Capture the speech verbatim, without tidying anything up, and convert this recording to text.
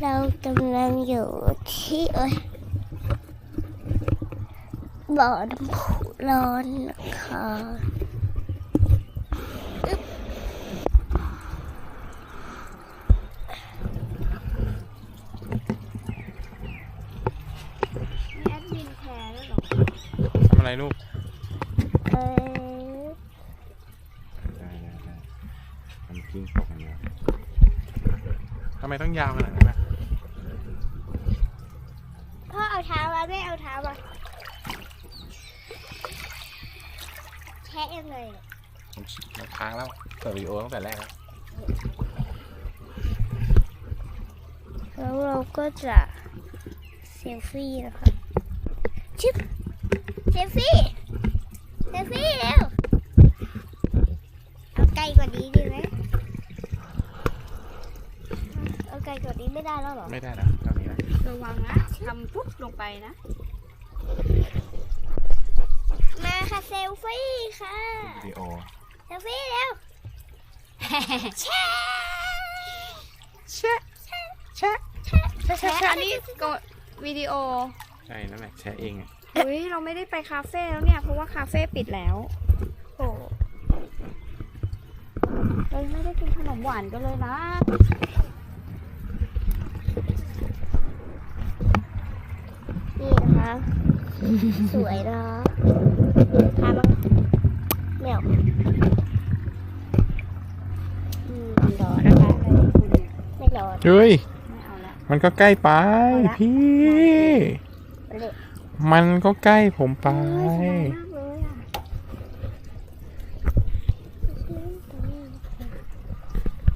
เรากำลังอยู่ที่เอ้ยบ่อน้ำพุร้อนนะคะอึ๊บมีแอดมินแชร์แล้วหรอทำอะไรลูกเออได้ได้ได้ทำกิ้งตกอย่างเงี้ยทำไมต้องยาวขนาดนั้นนะพ่อเอาเท้ามาไม่เอาเท้ามาแช่ยังไงเนี่ยมันค้างแล้วเปิดวิดีโอตั้งแต่แรกแล้วแล้วเราก็จะเซลฟี่นะคะชิปเซลฟี่เซลฟี่เร็วเอาไกลกว่านี้ดีไหมเอาไกลกว่านี้ไม่ได้แล้วหรอไม่ได้นะตอนนี้นะระวังนะทำปุ๊บลงไปนะมาค่ะเซลฟี่ค่ะวิดีโอเซลฟี่เร็วแชะแชะแชะแชะแชะอันนี้กดวิดีโอใช่นั่นแหละแชร์เองอะอุ้ยเราไม่ได้ไปคาเฟ่แล้วเนี่ยเพราะว่าคาเฟ่ปิดแล้วโอ้เราไม่ได้กินขนมหวานกันเลยนะนี่นะคะ สวยนะทามังแมวอืมร้อนนะคะไม่ร้อนเฮ้ยไม่เอาละมันก็ใกล้ไปเอาละพี่เละมันก็ใกล้ผมไปเฮ้ยสบายมาก